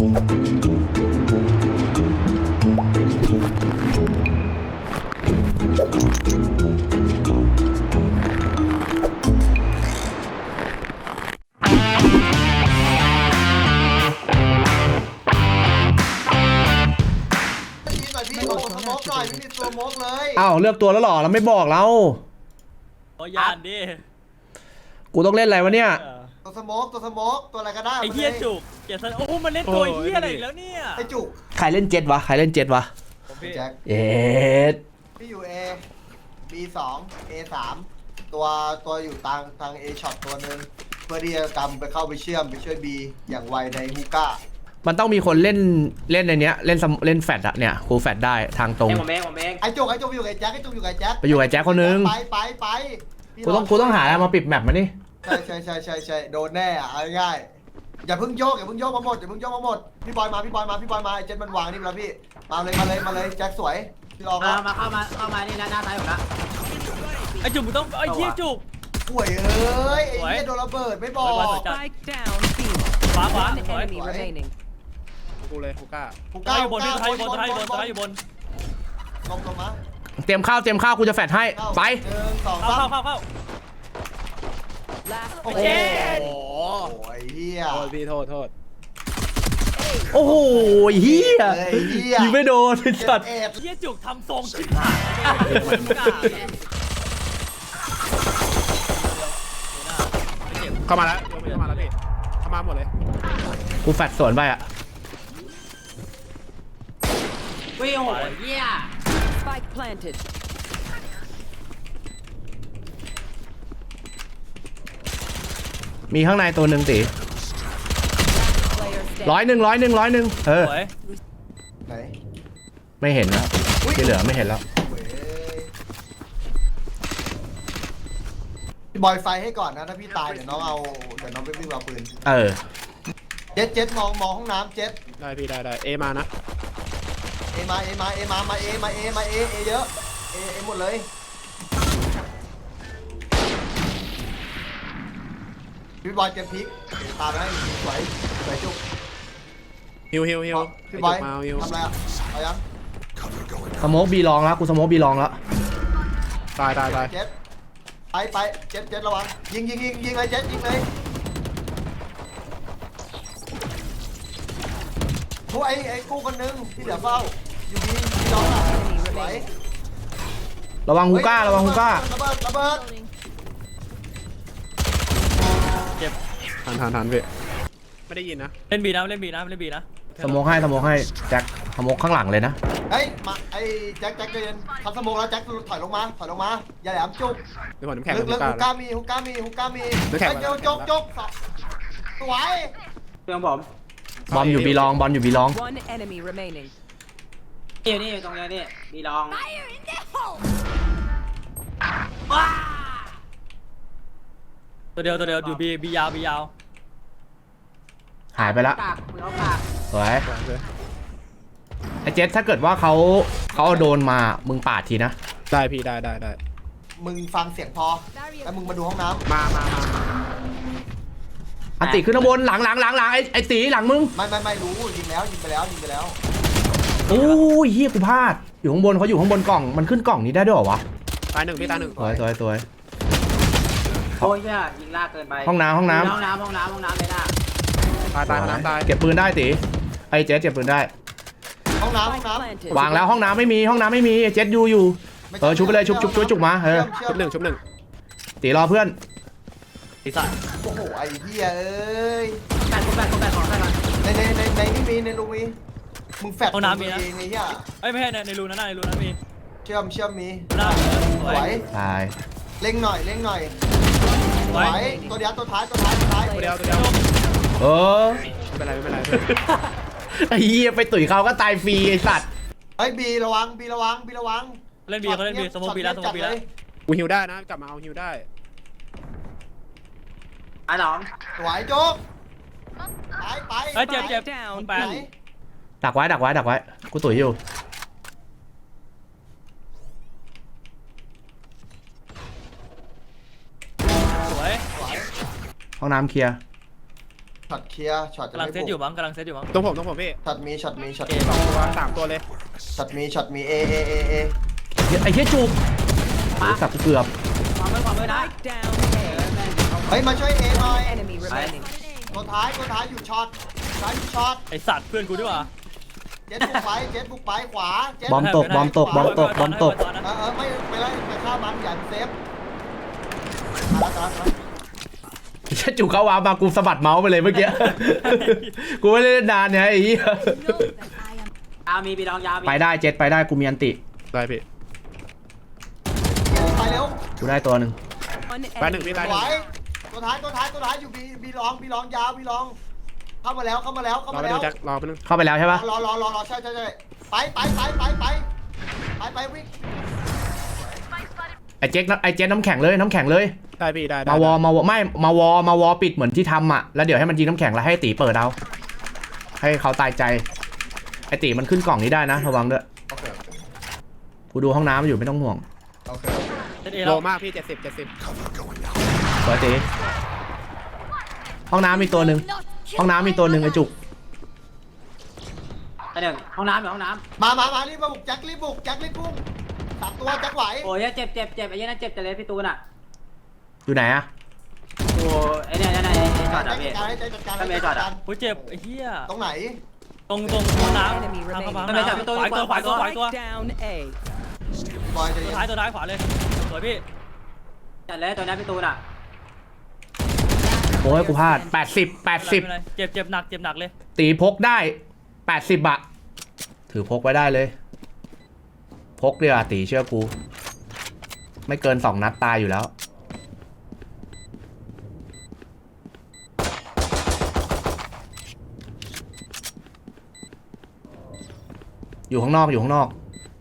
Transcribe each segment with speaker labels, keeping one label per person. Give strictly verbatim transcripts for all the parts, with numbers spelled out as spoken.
Speaker 1: อ้าวเลือกตัวแล้วหรอเราไม่บอกเรา
Speaker 2: โอ้ยานดิ
Speaker 1: กูต้องเล่นอะไรวะเนี่ย
Speaker 3: ตัวสโมกตัวสโมกตัวอะไรก็ได้
Speaker 2: ไอ้เหี้ยจุกเกียรติโอ้มันเล่นตัวเหี้ยอะไรอีกแล้วเนี่ย
Speaker 3: ไอ้จุก
Speaker 1: ใครเล่นเจ็ดวะใครเล่นเจ็ดวะ
Speaker 3: แจ็ค
Speaker 1: เอ็ด
Speaker 3: พี่อยู่ A B สอง A สามตัวตัวอยู่ทางทาง A ช็อตตัวหนึ่งเพื่อที่จะกำไปเข้าไปเชื่อมไปช่วย B อย่างไวในฮูก้า
Speaker 1: มันต้องมีคนเล่นเล่นในเนี้ยเล่นเล่นแฟดอะเนี่ยคูแฟดได้ทางตรง
Speaker 4: ผมเองผมเอง
Speaker 3: ไอ้จุกไอ้จุกอยู่กับไอ้แจ็คไอ้จุกอยู่กับไอ้แจ็ค
Speaker 1: ไปอยู่กับแจ็คคนนึง
Speaker 3: ไปไปไป
Speaker 1: กูต้องกูต้องหาอะไรมาปิดแมปมานี่
Speaker 3: ใช่ใช่ใช่ใช่ใช่โดนแน่อะง่ายอย่าเพิ่งโยกอย่าเพิ่งโยกมาหมดอย่าเพิ่งโยกมาหมดพี่บอยมาพี่บอยมาพี่บอยมาไอ้เจ็ดมันวางนี่แล้วพี่มาเลยมาเลยมาเลยแจ็คสวยพี่รอ
Speaker 4: มามาเข้ามาเข้ามานี่หน้าหน้าซ้ายผมละ
Speaker 2: ไอ้จุกมึงต้องไอ้เหี้ยจุก
Speaker 3: ป่วยเอ้ยไอ้เหี้ยโดนระเบิดไม่บอก
Speaker 2: ขวาขวา
Speaker 5: กูเลยกูกล้า
Speaker 3: กูกล้า
Speaker 2: อยู่บนพี่ท้ายอยู่บนท้ายอยู่บนท้ายอยู่บน
Speaker 3: ลงลงมา
Speaker 1: เตรียมข้าวเตรียมข้าวกูจะแฟดให้ไป
Speaker 3: หนึ่งสอง
Speaker 2: เข้า
Speaker 3: สาม
Speaker 2: เข้าเข้า
Speaker 3: โอ้โหไอ้เหี้ย
Speaker 5: โทษพี่โทษโทษ
Speaker 1: โอ้โหเฮียยิงไม่โดนสัตว์
Speaker 2: เฮียจุกทำทรงชิบหาย
Speaker 5: เข้ามาแล้วเข้ามาแล้วพี่เข้ามาหมดเลย
Speaker 1: กูแฟดสวนไปอะ
Speaker 4: วิ่งโหเฮีย
Speaker 1: มีข้างในตัวหนึ่งตีร้อยหนึ่งร้อยหนึ่งร้อยหนึ่งเออ
Speaker 3: ไหน
Speaker 1: ไม่เห็นนะที่เหลือไม่เห็นแล้ว
Speaker 3: พี่บอยไฟให้ก่อนนะถ้าพี่ตายเดี๋ยวน้องเอาเดี๋ยวน้องไปวิ่งเอาปืน
Speaker 1: เออ
Speaker 3: เจ็ดเจ็ดมองมองห้องน้ำเจ็ด
Speaker 5: ได้พี่ได้ได้เอมานะ
Speaker 3: เอมาเอมาเอมามาเอมาเอมาเอเอเยอะเอเอหมดเลยพี่บอยเจ็บพลิกตามให้สวยสวยจุก
Speaker 5: ฮิวฮิวฮิว
Speaker 3: พี่บอยทำอะไรอ่ะเอายัง
Speaker 1: สโมกบีลองแล้วกูสโมกบีลองแล้ว
Speaker 5: ตายตายตาย
Speaker 3: เจ็ดไปไปเจ็ดเจ็ดระวังยิงยิงยิงยิงเลยเจ็ดยิงเลยทุกไอ้ไอ้กู้คนนึงที่เหลือเฝ้าอยู่ดีที่น้องอ่ะไหว
Speaker 1: ระวังฮูก้าระวังฮูก้า
Speaker 3: ระเบิดระเบิด
Speaker 2: เจ็บ
Speaker 5: ทันทันทันพี่ไม่ได้ยินนะ
Speaker 2: เล่นบีนะเล่นบีนะเล่นบีนะ
Speaker 1: สโมกให้สโมกให้แจ็คสโมกข้างหลังเลยนะ
Speaker 3: เฮ้ยมาไอ้แจ็คแจ็คเดินทำสโมกแล้วแจ็คถอยลงมาถอยลงมาอย่าแหลมจุก
Speaker 5: เดี๋ยวผมน้ำแข็ง
Speaker 3: ลึกลึกฮุก้ามีฮุก้ามีฮุก้ามีแจ็คเจ้าจกจกสวย
Speaker 4: เรื่องผม
Speaker 1: บอมอยู่บีลองบอลอยู่บีลอง
Speaker 4: นี่นี่ตรงนี้นี่บีลอง
Speaker 2: ตัวเดียวตัวเดียวอยู่บีบียาวบียาว
Speaker 1: หายไปละสวยไอเจสถ้าเกิดว่าเขาเขาโดนมามึงปาดทีนะ
Speaker 5: ได้พี่ได้ได้ได้
Speaker 3: มึงฟังเสียงพอแล้วมึงมาดูห้องน้ำ
Speaker 5: มามามา
Speaker 1: อันติขึ้นข้างบนหลังหลังหลังหลังไอไอตีหลังมึง
Speaker 3: ไม่ไม่ไม่รู้ยิงแล้วยิงไปแล้วยิงไปแล้ว
Speaker 1: โอ้ยเฮียกูพลาดอยู่ข้างบนเขาอยู่ข้างบนกล่องมันขึ้นกล่องนี้ได้ด้วยเหรอวะ
Speaker 5: ตายหนึ่งพี่ตายหนึ่ง
Speaker 1: สวยสวยสวย
Speaker 4: โอ้ยเนี่ยยิงลากเกินไป
Speaker 1: ห้องน้ำห้องน้ำ
Speaker 4: ห้องน้ำห้องน้ำห้องน้ำเลยนะ
Speaker 5: ตายตายห้องน้ำตาย
Speaker 1: เก็บปืนได้ตีไอเจ๊เก็บปืนได้
Speaker 3: ห้องน้ำห้องน้
Speaker 1: ำวางแล้วห้องน้ำไม่มีห้องน้ำไม่มีเจ๊อยู่อยู่เออชุบไปเลยชุบชุบชุบจุกมาเออ
Speaker 5: ชุบหนึ่งชุบหนึ่ง
Speaker 1: ตีรอเพื่อน
Speaker 2: ตีสัตว์
Speaker 3: โอ้โหไอ้เหี้ยเอ้ย
Speaker 4: แปดคนแปดคนแปดของใครมา
Speaker 3: ในในในในนี่มีในรูมีมึงแฟด
Speaker 2: ห้องน้ำมีนะ
Speaker 3: ไอ้เหี้ย
Speaker 2: ไอ้ไม่ใช่ในในรูนั้นในรูนั้นมี
Speaker 3: เชื่อมเชื่อมมี
Speaker 2: น่า
Speaker 3: สวย
Speaker 1: ตาย
Speaker 3: เล่งหน่อยเล่งหน่อยสวยตัวเดียวตัวท้ายตัวท้ายตัวท้าย
Speaker 5: ตัวเดียวตัวเดียว
Speaker 1: เออ
Speaker 5: ไม่เป็นไรไม่เป็นไร
Speaker 1: ไอ้เหี้ยไปตุ๋ยเขาก็ตายฟรีไอ้สัตว์
Speaker 3: ไอ้บีระวังบีระวังบีระวัง
Speaker 2: เล่นบีเขาเล่นบีสมมติบีแล้วสมมติบีแล้ว
Speaker 5: กูฮิวได้นะกลับมาเอาฮิวได้
Speaker 4: ไอ้หลอง
Speaker 3: สวยโจ๊กไปไป
Speaker 2: ไอ้เจ็บเจ็บแปด
Speaker 1: ดักไว้ดักไว้ดักไว้กูตุ๋ยอยู่
Speaker 2: สวย
Speaker 1: ห้องน้ำเคลียร์
Speaker 3: ช็อตเคลียร์ช็อตจะ
Speaker 2: กำลัง
Speaker 3: ไม่
Speaker 2: เซตอยู่
Speaker 3: บุก
Speaker 2: มั้งกำลังเซตอยู่มั้ง
Speaker 5: ตรงผมตรงผมพี่
Speaker 3: ช็อตมีช็อตมีช็อต
Speaker 2: เอ
Speaker 3: มี
Speaker 5: สองตัวสามตัวเลย
Speaker 3: ช็อตมีช็อตมีเอเอเอเอ
Speaker 1: ไอ้เหี้ยจุกโอ้ยสับกูเกือบ
Speaker 4: ความมือความมือนะ
Speaker 6: Spike down A.
Speaker 3: เฮ้ยมาช่วยเอหน่อย
Speaker 6: Enemy remaining.
Speaker 3: ตัวท้ายตัวท้ายอยู่ช็อตท้ายอยู่ช็อต
Speaker 2: ไอสัตว์เพื่อนกูดีกว่า
Speaker 3: เจ็ดบุกไปเจ็ดบุกไปขวาเจ็ด
Speaker 1: บอมตกบอมตกบอมตกบอมตก
Speaker 3: เออเออไม่ไม่ไล่ไปฆ่ามันอย่าเซฟมาแล้วมา
Speaker 1: ไอ้เหี้ยจุกเข้าวามากูสะบัดเมาส์ไปเลยเมื่อกี้ กูไม่ได้เล่นนานเนี่ยไอ้เหี้ย
Speaker 4: ยาวมีบีดองยาวมี
Speaker 1: ไปได้เจ็ดไปได้กูมีอันติ
Speaker 5: ได้พี่
Speaker 3: ไปเร็ว
Speaker 1: กูได้ตัวหนึ่ง
Speaker 6: One
Speaker 5: ไปหนึ่ง
Speaker 6: enemy
Speaker 5: พี่ไปห
Speaker 3: ไหว
Speaker 5: นึ่ง
Speaker 3: ตัวท้ายตัวท้ายตัวท้ายอยู่บีบีลองบีลองยาวบีลอง เข้ามาแล้วเข้ามาแล้วเข้าร
Speaker 5: อ
Speaker 3: มา
Speaker 5: ไปห
Speaker 3: แล้
Speaker 5: นึ่
Speaker 3: ว
Speaker 5: งแจ็ครอไปหนึ่ง
Speaker 1: เข้าไปแล้วใช่ปะ
Speaker 3: รอรอรอรอใช่ใช่ใช่ไปไปไปไปไปไปไปวิ่ง
Speaker 1: ไอ้เจ๊กไอ้เจ๊น้ำแข็งเลยน้ำแข็งเลย
Speaker 5: ได้พี่ได้ได้
Speaker 1: มาวอมาวอไม่มาวอมาวอปิดเหมือนที่ทำอ่ะแล้วเดี๋ยวให้มันยิงน้ำแข็งแล้วให้ตีเปิดเอาให้เขาตายใจไอ้ตีมันขึ้นกล่องนี้ได้นะระวังด้วย
Speaker 3: โอเค
Speaker 1: กูดูห้องน้ำอยู่ไม่ต้องห่วง
Speaker 3: โอเค
Speaker 2: เซตเอ
Speaker 5: โล
Speaker 2: แล้ว
Speaker 5: มากพี่เจ็ดสิบเจ็ดสิบ
Speaker 1: สวยตีห้องน้ำมีตัวหนึ่งห้องน้ำมีตัวหนึ่งไอ้จุก
Speaker 4: ไปหนึ่งห้องน้ำอยู่ห้องน้
Speaker 3: มามามารีบมาบุกแจ็ครีบบุกแจ็ครีบพุ่งสามตัวแจ็คไหว
Speaker 4: ำโอ้ยเจ็บเจ็บเจ็บไอ้ยันนั่นเจ็บจะเลยพี่ตูนอ่ะ
Speaker 1: อยู่ไหนอะ
Speaker 4: โอ้ไอ้เนี่ยไอ้เนี่ยไอ้จอด
Speaker 3: แจ็
Speaker 4: อ่ะ
Speaker 3: ค
Speaker 4: พี่
Speaker 3: จัดการให้แจ็คจัดการ
Speaker 4: ทำไมจอดอะ
Speaker 2: โอ้ยเจ็บไอ้เหี้ย
Speaker 3: ตรงไหน
Speaker 2: ตรงตรงห้องน้ำทางเข้ามาห้องน้ำขวาตัวขวาตัวขวาตัว
Speaker 6: Spike down A.
Speaker 3: บอยจะ
Speaker 2: ตัวท้ายตัวท้ายขวาเลยสวยพี่
Speaker 4: จัดเลยตัวนี้พี่ตูนอ่ะ
Speaker 1: โอ้ยกูพลาดแปดสิบแปดสิบ
Speaker 2: ไม่เป็นไรเจ็บเจ็บหนักเจ็บหนักเลย
Speaker 1: ตีพกได้แปดสิบอะถือพกไว้ได้เลย พกเดียวาตีเชื่อกู ไม่เกินสองนัดตายอยู่แล้ว อยู่ข้างนอกอยู่ข้างนอก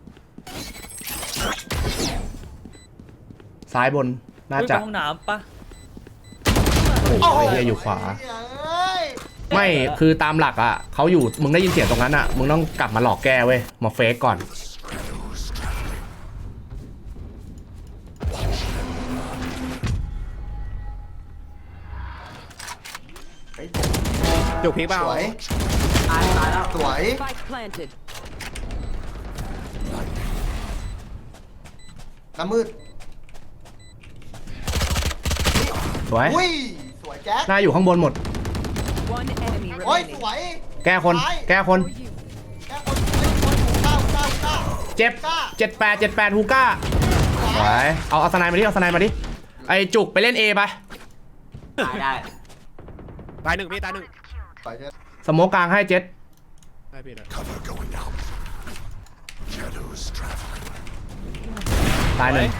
Speaker 1: ซ้ายบนน่าจะ
Speaker 2: ห้องน้ำปะ
Speaker 1: โอ้โหไอ้เฮียอยู่ขวา
Speaker 3: เอ้ย
Speaker 1: ไม่คือตามหลักอ่ะเขาอยู่มึงได้ยินเสียงตรงนั้นอ่ะมึงต้องกลับมาหลอกแกเว้ยมาเฟกก่อน
Speaker 3: เฮ้ย
Speaker 5: จุกพีกเปล่า
Speaker 3: สวย
Speaker 4: ตายตายแล้ว
Speaker 3: สวย
Speaker 6: Spike planted.
Speaker 3: น้ำมืด
Speaker 1: สวย
Speaker 3: อุ้ยสวยแจ็ค
Speaker 1: หน้าอยู่ข้างบนหมด
Speaker 6: One enemy
Speaker 3: โอ้ย
Speaker 6: remaining.
Speaker 3: สวย
Speaker 1: แก้คน แก้คน
Speaker 3: แก้คนเฮ้ยคนหูเก้าเก้าเก้า
Speaker 1: เจ็บเจ็ดแปดเจ็ดแปดฮูก้าสวยเอาเอาสไนด์มาดิเอาสไนด์มาดิไอจุกไปเล่น A ไป
Speaker 4: ตายได้
Speaker 5: ตายหนึ่งพี่ตายหนึ่ง
Speaker 3: สวยเจ็ด
Speaker 1: สโมกกลางให้เจ็ด
Speaker 5: ได้พี่ได้
Speaker 1: ตายหนึ่ง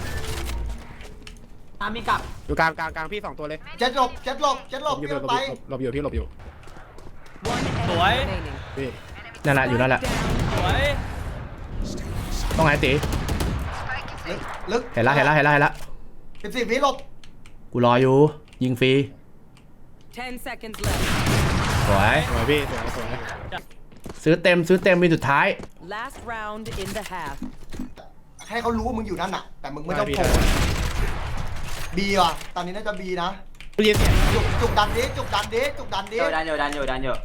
Speaker 4: ตามมีกลับ
Speaker 5: อยู่กลางกลางกลางพี่สองตัวเลย
Speaker 3: เจ็ดหลบเจ็ดหลบเจ็ดห
Speaker 5: ห
Speaker 3: ล
Speaker 5: ล
Speaker 3: บบ
Speaker 5: อยู่
Speaker 3: เจ็ด
Speaker 5: หลบ
Speaker 3: ไป
Speaker 5: อยู่หลบอยู่พี่หลบอยู่
Speaker 6: One enemy
Speaker 2: Tuổi.
Speaker 6: remaining.
Speaker 5: พี่
Speaker 1: นั่นแหละอยู่นั่นแหละ
Speaker 2: สวย
Speaker 1: ต้องไหนตี
Speaker 3: ลึกลึก
Speaker 1: เห็นละเห็นละเห็นละเห็นละ
Speaker 3: สิบสี่วิหลบ
Speaker 1: กูรออยู่ยิงฟรี
Speaker 6: Ten seconds left.
Speaker 1: สวย
Speaker 5: สวยพี่สวยสวย
Speaker 1: ซื้อเต็มซื้อเต็มมีสุดท้าย
Speaker 6: Last round in the half.
Speaker 3: ให้เขารู้ว่ามึงอยู่นั่นน่ะ แต่มึงไม่ต้องโผล่บีว่ะตอนนี้น่าจะบีนะ
Speaker 5: ได้ยินเสียง
Speaker 3: จุกจุกดันดิจุกดันดิจุกดันดิ
Speaker 4: เดี๋ยวดันเดี๋ยวดันเดี๋ยวดันเดี๋ยว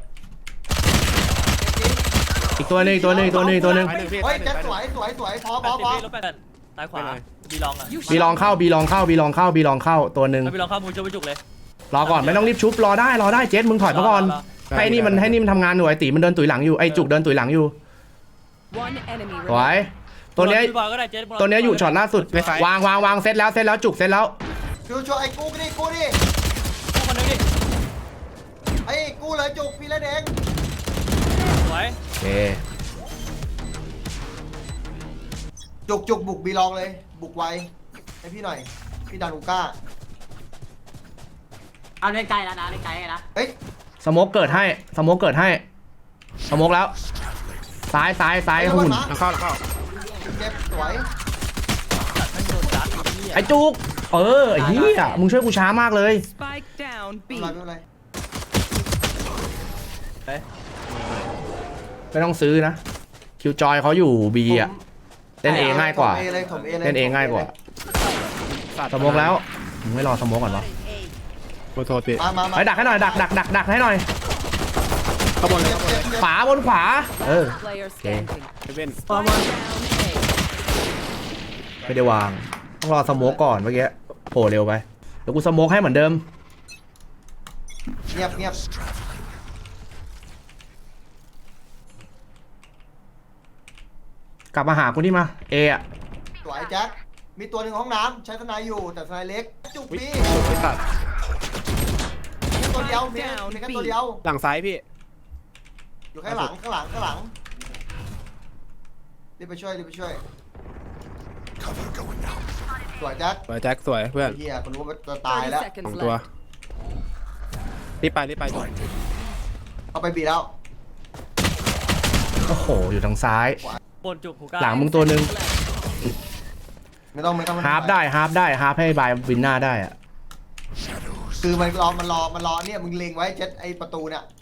Speaker 1: อีกตัวหนึงอีกตัวหนึงอีกตัวหนึงอีกตัวหนึง
Speaker 5: ตายหนึ่งพี่
Speaker 3: เฮ้ย
Speaker 5: ตายหนึ่
Speaker 3: แจ็
Speaker 5: ง
Speaker 3: ค
Speaker 5: ตายห
Speaker 3: ส
Speaker 5: นึ่
Speaker 3: ว
Speaker 5: ง
Speaker 3: ยสวยสวยพอพ
Speaker 2: แป
Speaker 3: อ
Speaker 2: ดสิบ
Speaker 3: พอ
Speaker 2: พี่ลบแปดซ้ายขวาบีลองอ่ะ
Speaker 1: บีลองเข้าบีลองเข้าบีลองเข้าบีลองเข้าตัวหนึ่ง
Speaker 2: บีลองเข้ามูช่วยไปจุกเลย
Speaker 1: รอก่อนไม่ต้องรีบชุบรอได้รอได้เจ็ดมึงถอยมาก่อน
Speaker 2: รอรอ
Speaker 1: ให้นี่มันให้นี่มันทำงานอยู่ไอตีมันเดินตุ๋ยหลังอยู่ไอจุกเดินตุ๋ยหลังอยู่
Speaker 6: One enemy
Speaker 1: สวย
Speaker 6: remaining.
Speaker 1: ตัวเนี้ย
Speaker 2: พี่บอยก็ได้เจ๊
Speaker 1: ตัวเนี้ยอยู่ช็อตล่าสุดวางวางวางเซตแล้วเซตแล้วจุกเซตแล้ว
Speaker 3: ชูชูไอ้กูดิกูดิ
Speaker 2: ผู้คนนึงดิ
Speaker 3: ไอ้กูเลยจุกพี่เล่นเอง
Speaker 2: สวย
Speaker 1: โอเค
Speaker 3: จุกจุกบุกบีลองเลย บุกไวให้พี่หน่อย พี่ดันอูก้า
Speaker 4: เอาเล่นไกลแล้วนะเล่นไกลไงนะ
Speaker 3: เฮ้ย
Speaker 1: สโมกเกิดให้สโมกเกิดให้สโมกแล้ว ซ้ายซ้ายซ้ายหุ่น
Speaker 5: หลังเข้าหลังเข้า
Speaker 3: เจ็บสวย
Speaker 2: ไม่โดนจัดไอ้เหี้ย
Speaker 1: ไอจุกเออไอ้เหี้ยมึงช่วยกูช้ามากเลย
Speaker 6: Spike down
Speaker 3: ไม่
Speaker 6: B.
Speaker 3: เป็นไรไม่เป็นไร
Speaker 1: ไม่ต้องซื้อนะคิวจอยเขาอยู่บีอ่ะเล่นเองง่ายกว่า
Speaker 3: ถมเอเลยถมเอเลย
Speaker 1: เล่นเองง่ายกว่าสโมกแล้วมึงไม่รอสโมกก่อนวะ
Speaker 5: เวโทษพี่
Speaker 3: มามามา
Speaker 1: ไปดักให้หน่อยดักดักดักดักให้หน่อย
Speaker 5: ข้างบนเลยข้างบนเลย
Speaker 1: ขวาบนขวาเออ
Speaker 6: Player standing.
Speaker 5: เฮเว่น
Speaker 6: Spike down A.
Speaker 1: ไม่ได้วางต้องรอสโมกก่อนเมื่อกี้โผล่เร็วไปเดี๋ยวกูสโมกให้เหมือนเดิม
Speaker 3: เงียบเงียบ
Speaker 1: กลับมาหากูนี่มาเออะ
Speaker 3: สวยแจ็คมีตัวหนึ่งห้องน้ำใช้ทนายอยู่แต่ทนายเล็กจุกพี่
Speaker 5: ไอ้สัตว์
Speaker 3: มีตัวเดียวมีมีแค่ตัวเดียว
Speaker 5: หลังซ้ายพี่
Speaker 3: อยู่ข้างหลังข้างหลังข้างหลังรีบไปช่วยรีบไปช่วยสวยแจ็ค
Speaker 5: สวยแจ็คสวยเพื่อน
Speaker 3: เฮียคนรู้ว่าจะตายแล้ว
Speaker 5: สอง
Speaker 6: seconds
Speaker 5: ตัว
Speaker 6: left.
Speaker 5: รีบไปรีบไป
Speaker 3: เอาไปบีแล้ว
Speaker 1: โอ้โหอยู่ทางซ้าย
Speaker 2: บนจุกหูกล้า
Speaker 1: หลังมึงตัวหนึ่ง
Speaker 3: ไม่ต้องไม่ต้อง
Speaker 1: ฮาร์ฟได้ฮาร์ฟได้ฮาร์ฟให้บายวินหน้าได้อะ
Speaker 3: คือมันรอมันรอมันรอเนี่ยมึงเล็งไว้เจ็ดไอประตูเนี่ย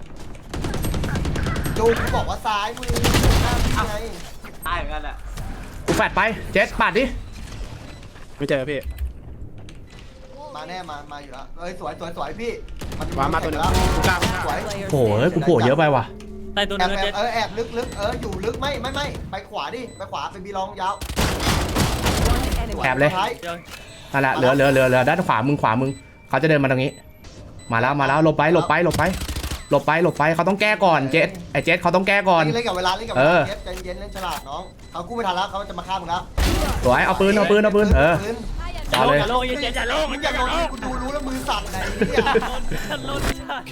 Speaker 3: จูกูบอกว่าซ้ายมือหน้ามึงไง
Speaker 4: ตายเหมือนกันแหละ
Speaker 1: กูแฟดไปเจ็ดปาดดิ
Speaker 5: ไม่เจอพี่
Speaker 3: มาแน่มามาอยู่แล้วเอ้ยสวยสวยสวยพี่
Speaker 5: วางมาตัวหนึงกูกล้ากูกล้า
Speaker 3: สวย
Speaker 6: Player
Speaker 1: โอ้โหเอ้ยกูโผล่เยอะไปว่ะ
Speaker 2: ใต้ตัว
Speaker 3: แอ
Speaker 2: นึ
Speaker 3: บ
Speaker 2: ง
Speaker 3: แอ
Speaker 2: เจ็
Speaker 3: บ
Speaker 2: ด
Speaker 3: เออแอบลึกลึกเอออยู่ลึกไม่ไม่ไม่ไปขวาดิไปขวาไปบีลองยาว
Speaker 6: One enemy.
Speaker 1: แอบเลย
Speaker 3: ท้าย
Speaker 2: เดี๋ยว
Speaker 1: นั่นแหละเหลือเหลือเหลือเหลือด้านขวามึงขวามึงเขาจะเดินมาตรงนี้ มาแล้วมาแล้วหลบไปหลบไปหลบไปหลบไปหลบไปเขาต้องแก้ก่อนเจ็ดไอเจ็ดเขาต้องแก้ก่อน
Speaker 3: เล่นกับเวลาเล่นกับเว
Speaker 1: เอ
Speaker 3: ลา
Speaker 1: อ
Speaker 3: เย็นใจเย็นเล่นฉลาดน้องเขากู้ไม่ทันแล้วเขาจะมาฆ่ามึงแล้ว
Speaker 1: สวยเอาปืนเอาปืนเอาปืนเออ
Speaker 2: อย่า
Speaker 1: เอา
Speaker 2: โล
Speaker 1: เลย
Speaker 2: งอย่าโลงอย่าเจ็ดอย่าโลง
Speaker 3: มึงอย่าโดนกูดูรู้แล้วมือสั่นไหนเนี่ย
Speaker 2: ฉันโลงฉัน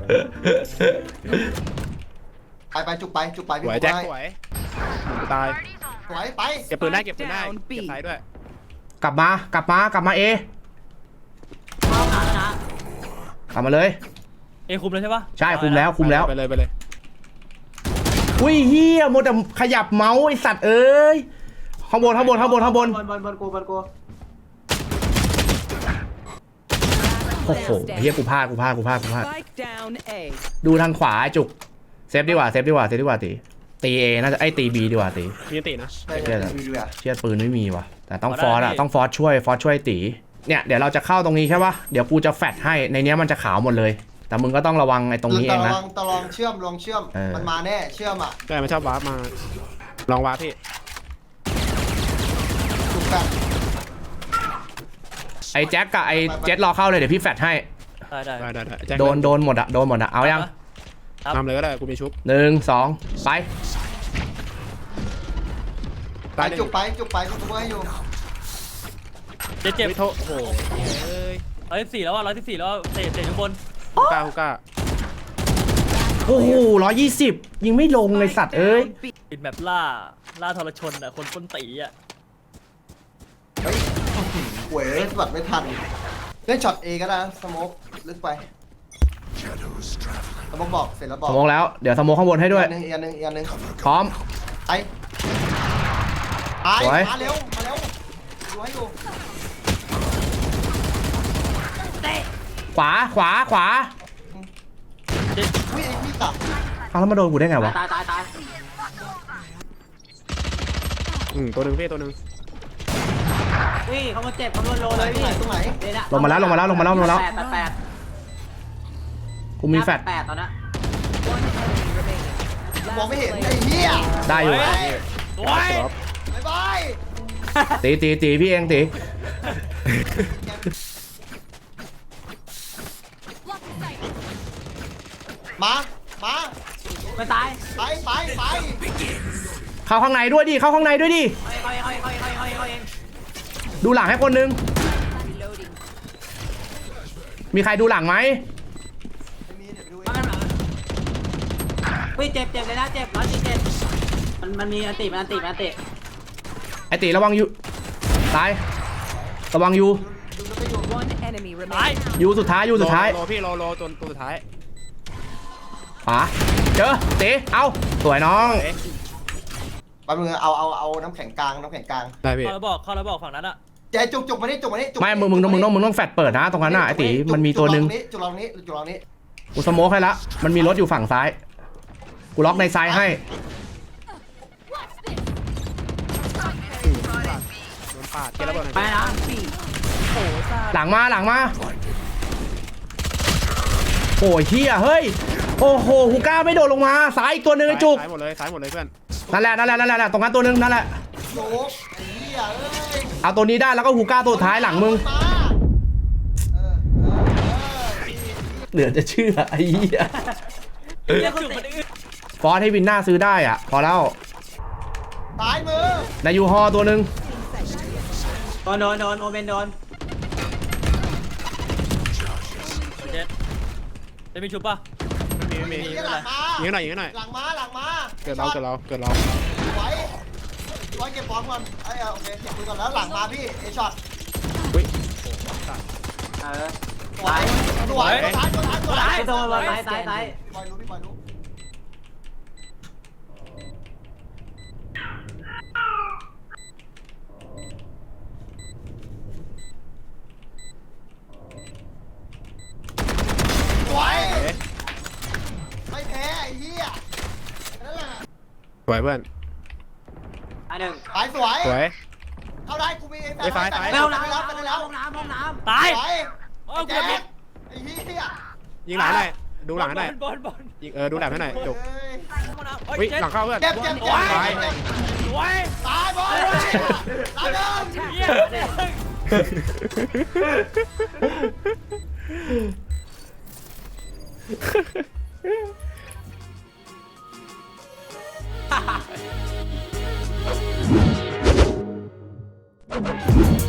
Speaker 3: ไปไปจุกไปจุกไป
Speaker 5: ส
Speaker 3: พี่
Speaker 5: วยแจ็ค
Speaker 3: ให้
Speaker 5: สวยตาย
Speaker 3: สวยไป
Speaker 5: เก็บปืนได้เก็บปืนได้เก็บซ้ายด้วย
Speaker 1: กลับมากลับมากลับมาเอ
Speaker 4: เอาหนานะ
Speaker 1: กลับมาเลย
Speaker 2: เอคุมเลยใช่ปะ
Speaker 1: ใช่คุมแล้วคุมแล้ว
Speaker 5: ไปเลยไปเลย
Speaker 1: อุ้ยเฮียโมดแต่ขยับเมาส์ไอสัตว์เอ้ยข้างบนข้างบนข้างบนข้างบน
Speaker 4: บนบนบนกูบนกู
Speaker 1: โอ้โหเฮียกูพลาดกูพลาดกูพลาดกูพลาด
Speaker 6: Spike down A.
Speaker 1: ดูทางขวาไอ้จุกเซฟดีกว่าเซฟดีกว่าเซฟดีกว่าตีตีเอน่าจะไอตีบีดีกว่าตี
Speaker 5: มีอันตินะ
Speaker 3: ใช่ใช่ดูดูอ่ะ
Speaker 1: เชียดปืนไม่มีว่ะแต่ต้องฟอร์สอะต้องฟอร์สช่วยฟอร์สช่วยตีเนี่ยเดี๋ยวเราจะเข้าตรงนี้ใช่ปะเดี๋ยวกูจะแฟดให้ในเนี้ยมันจะขาวหมดเลย แต่มึงก็ต้องระวังไอ้ตรงนี้เองนะ
Speaker 3: ตะลองตะลองเชื่อมลองเชื่อม
Speaker 1: เออ
Speaker 3: มันมาแน่เชื่อมอ่ะ
Speaker 5: ใช่มันชอบวาร์ปมาลองวาร์ปพี่
Speaker 3: จุกแบบ
Speaker 1: ไอ้แจ็คกับไอ้เจ็ดรอเข้าเลยเดี๋ยวพี่แฟดให้
Speaker 2: ได้ได้
Speaker 5: ได้ได้ได้แจ็ค
Speaker 1: โดนโดนหมดอะโดนหมดอะเอายัง
Speaker 5: ทำเลยก็ได้กูมีชุบ
Speaker 1: หนึ่งสองไป
Speaker 3: ไป
Speaker 5: ตายหนึ่ง
Speaker 3: จุกไปจุกไปจุกตัวให้อยู่
Speaker 2: เจ็ดเจ็บ
Speaker 5: ไม่โทษโอ้โหเอ้ย
Speaker 2: ร้อยสิบสี่แล้วอ่ะร้อยสิบสี่แล้วเตะเตะอยู่บน
Speaker 5: ฮูก้าฮูก้า
Speaker 1: โอ้โหร้อยยี่สิบยิงไม่ลงเลยสัตว์เอ้ย
Speaker 6: Down B.
Speaker 2: ปิดแบบล่าล่าทรชนอ่ะคนต้นตีอ่ะ
Speaker 3: เฮ้ยหวยสวัดไม่ทันเล่นช็อตเอก็ได้สโมกลึกไปสโมกบอกเสร็จแล้วบอ
Speaker 1: ส
Speaker 3: ก
Speaker 1: มองแล้วเดี๋ยวสมองข้างบนให้ด้วย
Speaker 3: อีกอันหนึงอีกอันหนึงอีกอันหนึง
Speaker 1: พร้อม
Speaker 3: ไปไป
Speaker 1: สวย
Speaker 3: มาเร็วมาเร็วดูให้ดู
Speaker 1: ขวาขวาขวา
Speaker 3: วิ่งวิ่งกลับ
Speaker 1: เอาแล้วมาโดนกูได้ไงวะ
Speaker 4: ตายตายตาย
Speaker 5: อืมตัวหนึ่งพี่ตัวหนึ่ง
Speaker 4: วิ่งเขามาเจ็บเขาโดนโล
Speaker 3: ตรงไห
Speaker 4: เล
Speaker 3: น
Speaker 4: ย
Speaker 3: ตรงไหน
Speaker 4: พี่
Speaker 3: ตรงไหน
Speaker 1: ลงมาแล้วลงมาแล้วลงมาแล้วลงมาแล้ว
Speaker 4: แปดแปดแปด
Speaker 1: กูมีแฟด
Speaker 4: แปดตอนนั้น
Speaker 6: One enemy remaining.
Speaker 3: มองไม่
Speaker 6: Last
Speaker 3: เห็น
Speaker 6: player
Speaker 3: ไอ้เหี้ย
Speaker 1: ได้อยู่
Speaker 2: โอ้ย
Speaker 5: ดรอป
Speaker 3: บายบาย
Speaker 1: ตีตีตีพี่เองตี
Speaker 3: มามา
Speaker 4: ไม่ตาย
Speaker 3: ไปไปไป
Speaker 1: เข้าข้างในด้วยดิเข้าข้างในด้วยดิ
Speaker 4: ค่อยค่อยค่อยค่อยค่อยค่อยค่อย
Speaker 1: ดูหลังให้คนนึงมีใครดูหลังไหม
Speaker 3: ไม่มีเดี๋ยวไปดูเอ
Speaker 4: มาง กันหน่อยวิ่งเจ็บเจ็บเลยนะเจ็บร้อยสี่เจ็ดมันมันมีอันติมันอันติมันอันติ
Speaker 1: ไอตีระวังอยู่ตายระวังอยู่
Speaker 3: ดูแล้วก็อยู่
Speaker 6: One enemy
Speaker 2: ตาย
Speaker 6: remaining.
Speaker 1: อยู่สุดท้ายอยู่สุดท้าย
Speaker 5: โลโลพี่โลโลตัวตัวสุดท้าย
Speaker 1: ขวาเจอตีเอาสวยน้อง
Speaker 5: เอ๊ะ
Speaker 3: แป๊บนึงเอาเอาเอาน้ำแข็งกลางน้ำแข็งกลาง
Speaker 5: ได้พี่
Speaker 2: เข้าแล้วบอกเข้าแล้วบอกฝั่งนั้นอ่ะ
Speaker 3: ใจจุกจุกมานี่จุกมานี่จุก
Speaker 1: ไม่มึงมึงต้องมึงต้องมึงต้องแฟดเปิดนะตรงนั้นน่ะไอตีมันมีตัวหนึ่ง
Speaker 3: จุกลองนี้จุกลองนี้
Speaker 1: กูสโมกให้ละมันมีรถอยู่ฝั่งซ้ายกูล็อกในซ้ายให้
Speaker 5: โดนปาดเกล้ระเบิดหน่อย
Speaker 4: ไป
Speaker 5: พี่
Speaker 4: นะ
Speaker 6: B. โอ้ซา
Speaker 1: หลังมาหลังมาโอ้ยเฮียเฮ้ยโอ้โหฮูก้าไม่โดดลงมาซ้ายอีกตัวหนึ่งไอ้จุก
Speaker 5: ซ้ายหมดเลยซ้ายหมดเลยเพื่อน
Speaker 1: นั่นแหละนั่นแหละนั่นแหละตรงนั้นตัวหนึงนั่นแหละ
Speaker 3: โยกไอ้เหี้ยเอ้ย
Speaker 1: เอาตัวนี้ได้แล้วก็ฮูก้าตัวท้ายหลังมึง
Speaker 3: มาเออเออเออ
Speaker 1: เหลือจะเชื่อไอ้เหี้ย
Speaker 2: เรียกจุดมันอึด
Speaker 1: ฟอสให้วินหน้าซื้อได้อ่ะพอแล้ว
Speaker 3: ตายมือ
Speaker 1: ในยูฮอตัวหนึ่ง
Speaker 4: โดนโดนโดนโอเมนโดน
Speaker 2: เจ็ดจะมีชุบป่ะ
Speaker 5: ไม่มี
Speaker 3: ไอ้
Speaker 5: ไม่มี
Speaker 3: เหี้ยหลังมา
Speaker 5: ยิงหน่อยยิงหน่อย
Speaker 3: หลังมาหลังมา
Speaker 5: เกิดเราเกิดเราเกิดเรา
Speaker 3: ไว้ไว้เก็บบอลก่อนไอ้เอาโอเคเก็บปืนก่อนแล้วหลังมาพี่เอช็อต
Speaker 5: อุ้ย
Speaker 4: เออ
Speaker 3: สวยสวยตัวท้ายตัวท้ายตัวท้าย
Speaker 4: ไอ้ตัวบอลซ้ายซ้ายซ้าย
Speaker 3: พี่บอยรู้พี่บอยรู้สวยไม่แพ้ไอ้เหี้ยนั่นแหละ
Speaker 5: สวยเพื่อน
Speaker 4: อันหนึ่ง
Speaker 3: ตายสวย
Speaker 5: สวย
Speaker 3: เอาได้กูมี
Speaker 5: ไปซ้ายซ้าย
Speaker 3: ไป
Speaker 4: เร็ว
Speaker 3: แล้ว
Speaker 4: น้ำ
Speaker 3: ไป
Speaker 4: ห้อง
Speaker 3: แล้ว
Speaker 4: น้ำห้องน้ำห้องน้
Speaker 2: ตาย
Speaker 3: ไป
Speaker 2: โอ้
Speaker 3: ไอ้
Speaker 2: กู
Speaker 3: แจ๊
Speaker 2: ผิด
Speaker 3: คไอ้เหี้ย
Speaker 5: ยิงหลังหน่อยดูหลังให้หน่อย
Speaker 2: บอลบอล
Speaker 5: ยิงเออดูแหลมให้หน่อยจุก
Speaker 3: เอ้ย
Speaker 2: เฮ้
Speaker 5: อุ้
Speaker 2: ย
Speaker 5: ย
Speaker 2: เจ็ด
Speaker 5: หลังเข้าเพื่อน
Speaker 3: เจ็บเจ็บเจ็บ
Speaker 5: ตาย
Speaker 3: เจ็บ
Speaker 2: สวย
Speaker 3: ตายบอลตายเดิม
Speaker 2: เยี่ยม
Speaker 4: ำ